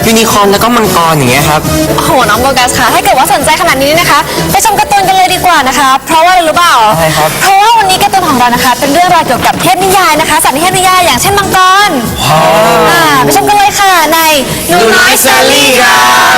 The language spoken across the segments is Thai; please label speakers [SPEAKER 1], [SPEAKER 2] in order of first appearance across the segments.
[SPEAKER 1] ยูนิคอร์นแล้วก็มังกรอย่างเงี้ยครับ
[SPEAKER 2] โอ้โหน้องโบกัสค่ะถ้าเกิดว่าสนใจขนาดนี้นะคะไปชมการ์ตูนกันเลยดีกว่านะคะเพราะว่าอะไรรู้เปล่า
[SPEAKER 1] ใช่ครับ
[SPEAKER 2] เพราะว่าวันนี้การ์ตูนของเรานะคะเป็นเรื่องราวเกี่ยวกับเทพนิยายนะคะสัตว์ในเทพนิยายอย่างเช่นมังกรไปชมกันเลยค่ะในหนูน้อยแซลลี่ค่ะ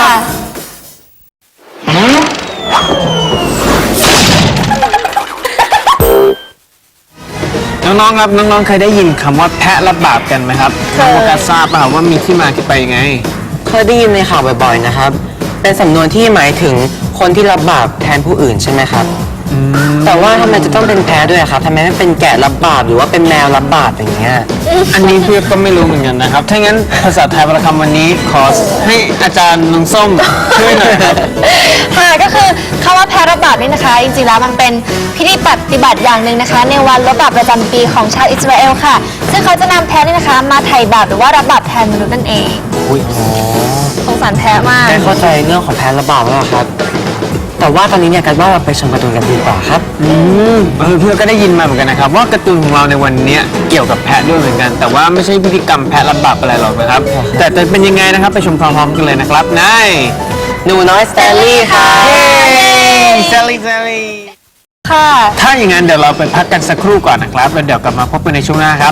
[SPEAKER 3] น้องๆครับน้องๆเคยได้ยินคำว่าแพะรับบาปกันไหมครับน้องโบกัสทราบเปล่าว่ามีที่มาที่ไปยังไง
[SPEAKER 1] เคยได้ยินในข่าวบ่อยๆนะครับเป็นสำนวนที่หมายถึงคนที่รับบาปแทนผู้อื่นใช่ไหมครับแต่ว่าทำไมจะต้องเป็นแพะด้วยครับทำไมไม่เป็นแกะรับบาปหรือว่าเป็นแมวรับบาปอย่างเงี้ย
[SPEAKER 3] อันนี้พี่ก็ไม่รู้เหมือนกันนะครับถ้างั้นภาษาไทยประคำวันนี้ขอให้อาจารย์น้องส้มช่วยหน่อยครับ
[SPEAKER 2] ค่ะก็คือคำว่าแพะรับบาปนี่นะคะจริงๆแล้วมันเป็นพิธีปฏิบัติอย่างหนึ่งนะคะในวันลดบาปประจำปีของชาวอิสราเอลค่ะซึ่งเขาจะนำแพะนี่นะคะมาไถ่บาปหรือว่ารับบาปแทนมนุษย์นั่นเองสงสารแพะมาก
[SPEAKER 1] ได้เข้าใจเรื่องของแพะรับบาปแล้วครับแต่ว่าตอนนี้เนี่ยกันว่าเราไปชมการ์ตูนกันดีกว่าครับ
[SPEAKER 3] เพื่อนก็ได้ยินมาเหมือนกันนะครับว่าการ์ตูนของเราในวันนี้เกี่ยวกับแพะด้วยเหมือนกันแต่ว่าไม่ใช่พิธีกรรมแพะรับบาปอะไรหรอกนะครับแต่จะเป็นยังไงนะครับไปชมพร้อมๆกันเลยนะครับใน
[SPEAKER 1] หนูน้อยสแตนลีย์ค่ะ
[SPEAKER 3] แซลลี่
[SPEAKER 2] ค่ะ
[SPEAKER 3] ถ้าอย่างนั้นเดี๋ยวเราไปพักกันสักครู่ก่อนนะครับแล้วเดี๋ยวกลับมาพบกันในช่วงหน้าครับ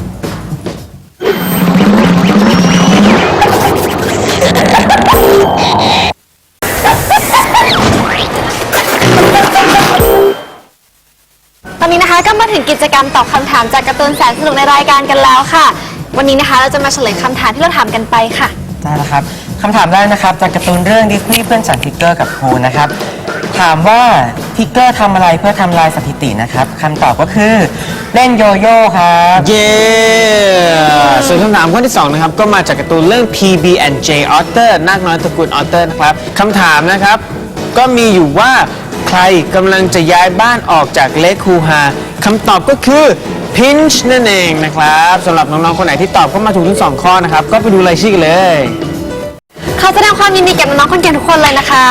[SPEAKER 2] ตอนนี้นะคะก็มาถึงกิจกรรมตอบคำถามจากการ์ตูนแสนสนุกในรายการกันแล้วค่ะวันนี้นะคะเราจะมาเฉลยคำถามที่เราถามกันไปค่ะ
[SPEAKER 1] ได้แล้วครับคำถามแรกนะครับจากการ์ตูนเรื่องดิสนีย์เพื่อนฉันทิกเกอร์กับครูนะครับถามว่าทิกเกอร์ทำอะไรเพื่อทำลายสถิตินะครับคำตอบก็คือเล่นโยโย่ครับ
[SPEAKER 3] เย้ส่วนคำถามข้อที่2นะครับก็มาจากการ์ตูนเรื่อง PB&J Otter นาคน้อยตระกูล Otter นะครับคำถามนะครับก็มีอยู่ว่าใครกำลังจะย้ายบ้านออกจากเลคคูฮาคำตอบก็คือพินช์นั่นเองนะครับสำหรับน้องๆคนไหนที่ตอบเข้ามาถูกทั้ง2ข้อนะครับก็ไปดูรายชื่อกันเลย
[SPEAKER 2] ขอแสดงความยินดีกับน้องๆคนเก่งทุกคนเลยนะคะ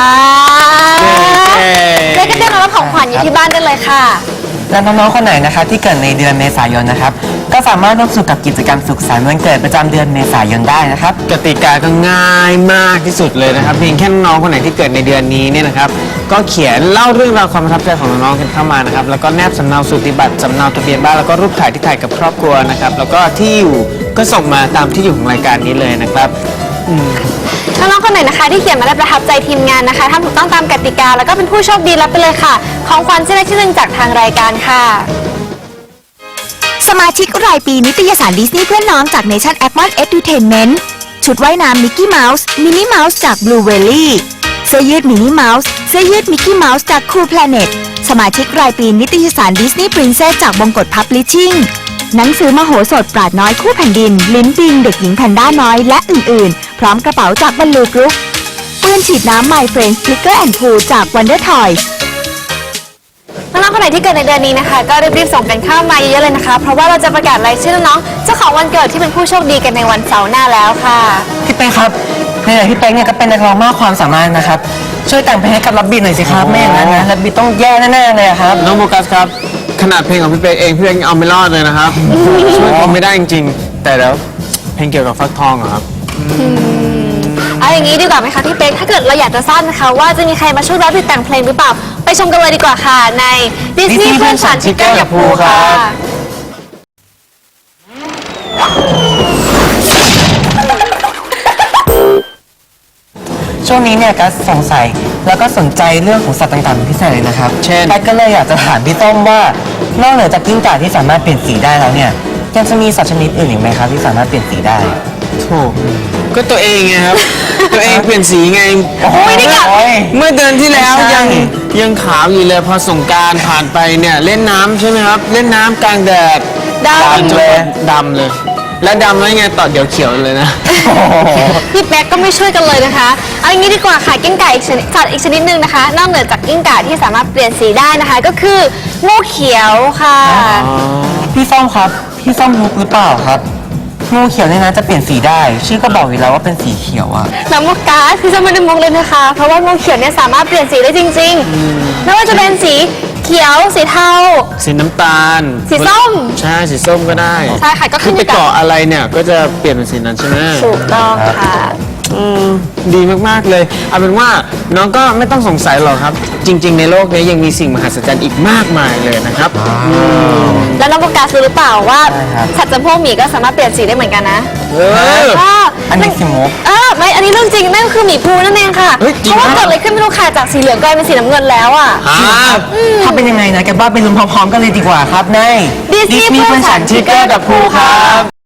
[SPEAKER 2] ได้ก็ได้มารับของขวัญอยู่ที่บ้านได้เลยค่ะ
[SPEAKER 1] และน้องๆคนไหนนะครับที่เกิดในเดือนเมษายนนะครับก็สามารถร่วมสนุกกับกิจกรรมสุขสันต์วันเกิดประจำเดือนเมษายนได้นะครับ
[SPEAKER 3] กติกาก็ง่ายมากที่สุดเลยนะครับเพียงแค่น้องๆคนไหนที่เกิดในเดือนนี้เนี่ยนะครับก็เขียนเล่าเรื่องราวความประทับใจของน้องๆกันเข้ามานะครับแล้วก็แนบสำเนาสูติบัตรสำเนาทะเบียนบ้านแล้วก็รูปถ่ายที่ถ่ายกับครอบครัวนะครับแล้วก็ที่อยู่ก็ส่งมาตามที่อยู่ของรายการนี้เลยนะครับ
[SPEAKER 2] น้องๆคนไหนนะคะที่เขียนมาและประทับใจทีมงานนะคะทำถูกต้องตามกติกาแล้วก็เป็นผู้โชคดีรับไปเลยค่ะของขวัญชิ้นเล็กชิ้นหนึ่งจากทางรายการค่ะ
[SPEAKER 4] สมาชิกรายปีนิตยสารดิสนีย์เพื่อนน้องจาก Nation Apple Edutainment ชุดว่ายน้ำมิกกี้เมาส์มินนี่เมาส์จาก Blue Valley เสื้อยืดมินนี่เมาส์เสื้อยืดมิกกี้เมาส์จาก Cool Planet สมาชิกรายปีนิตยสารดิสนีย์ Princess จากบงกฎ Publishing หนังสือมโหสถปราดน้อยคู่แผ่นดินลิ้นปิงเด็กหญิงแพนด้าน้อยและอื่นๆพร้อมกระเป๋าจากบรรลูกรุ๊ปปืนฉีดน้ำ My Friends Flicker and Pool จาก Wonder Toys
[SPEAKER 2] น้องๆคนไหนที่เกิดในเดือนนี้นะคะก็รีบๆส่งกันเข้ามาเยอะๆเลยนะคะเพราะว่าเราจะประกาศรายชื่อน้องๆเจ้าของวันเกิดที่เป็นผู้โชคดีกันในวันเสาร์หน้าแล้วค่ะ
[SPEAKER 1] พี่เป๊กครับเนี่ยพี่เป๊กเนี่ยก็เป็นนักร้องมากความสามารถนะครับช่วยแต่งเพลงให้กับรับบิทหน่อยสิครับไม่อย่างนั้นนะรับบิทต้องแย่แน่ๆเลยครับ
[SPEAKER 3] น้องโบกัสครับขนาดเพลงของพี่เป๊กเองพี่เป๊กยังเอาไม่รอดเลยนะครับช่วยผมไม่ได้จริงๆแต่แล้วเพลงเกี่ยวกับฟักทองเหรอครับ
[SPEAKER 2] เอาอย่างนี้ดีกว่าไหมคะพี่เป๊กถ้าเกิดเราอยากจะทราบนะคะว่าจะมีใครมาช่วยรับบิทแต่งเพลงหรือเปล่าไปชมกันเลยดีกว่าค่ะในดิสนีย์เพื่อนฉันทิกเกอร์กับภูค่ะ
[SPEAKER 1] ช่วงนี้เนี่ยก็สงสัยแล้วก็สนใจเรื่องของสัตว์ต่างๆเป็นพิเศษเลยนะครับ
[SPEAKER 3] เช่น
[SPEAKER 1] ก็เลยอยากจะถามพี่ต้มว่านอกเหนือจากกิ้งก่าที่สามารถเปลี่ยนสีได้แล้วเนี่ยยังจะมีสัตว์ชนิดอื่นอีกไหมครับที่สามารถเปลี่ยนสีได้
[SPEAKER 3] โธ่ก็ตัวเองไงครับ ตัวเองเปลี่ยนสีไง
[SPEAKER 2] ไม่ได้กัด
[SPEAKER 3] เมื่อเดือนที่แล้วยังขาวอยู่เลยพอสงกรานต์ผ่านไปเนี่ยเล่นน้ำใช่ไหมครับเล่นน้ำกลางแดด
[SPEAKER 2] ดำ
[SPEAKER 3] เลยแล้วดำแล้วไงต่อเดี๋ยวเขียวเลยนะ
[SPEAKER 2] พี่แป๊กก็ไม่ช่วยกันเลยนะคะเอาอย่างนี้ดีกว่าค่ะกิ้งก่าอีกชนิดสัตว์อีกชนิดหนึ่งนะคะนอกเหนือจากกิ้งก่าที่สามารถเปลี่ยนสีได้นะคะก็คืองูเขียวค่ะ
[SPEAKER 1] พี่ส้มครับพี่ส้มรู้หรือเปล่าครับงูเขียวเนี่ยนะจะเปลี่ยนสีได้ชื่อก็บอกอยู่แล้วว่าเป็นสีเขียวอะ
[SPEAKER 2] น้ำมุกกาคือจะไม่ได้มุกเลยนะคะเพราะว่างูเขียวเนี่ยสามารถเปลี่ยนสีได้จริงๆไม่ว่าจะเป็นสีเขียวสีเทา
[SPEAKER 3] สีน้ำตาล
[SPEAKER 2] สีส้ม
[SPEAKER 3] ใช่สีส้มก็ได้
[SPEAKER 2] ใช่ค่ะก็
[SPEAKER 3] คือไปเกาะอะไรเนี่ยก็จะเปลี่ยนเป็นสีนั้นใช่ไหม
[SPEAKER 2] ถูกต้องค่ะ
[SPEAKER 3] ดีมากๆเลยเอาเป็นว่าน้องก็ไม่ต้องสงสัยหรอกครับ จริง ๆ ในโลกนี้ยังมีสิ่งมหัศจรรย์อีกมากมายเลยนะครับ
[SPEAKER 2] แล้วน้องโฟกัสรู้หรือเปล่าว่า
[SPEAKER 1] ใช่ครับ
[SPEAKER 2] สัตว์จำพวกหมีก็สามารถเปลี่ยนสีได้เหมือนกันนะ
[SPEAKER 3] เออ
[SPEAKER 1] อันนี้สิมุก
[SPEAKER 2] ไม่อันนี้เรื่องจริงนั่นก็คือหมีภูนั่นเองค่ะ
[SPEAKER 3] เฮ้ยจริง
[SPEAKER 2] เพราะว่า
[SPEAKER 3] เหรอ
[SPEAKER 2] เกิดอะไรขึ้นไม่รู้ค่ะจากสีเหลืองกลายเป็นสีน้ำเงินแล้วอ่ะ
[SPEAKER 1] ถ้าเป็นยังไงนะแกบ้าไปลุ้นพร้อมๆกันเลยดีกว่าครับใน
[SPEAKER 2] Disney
[SPEAKER 1] เพื่อนฉันชิคเกอร์กับภูครับ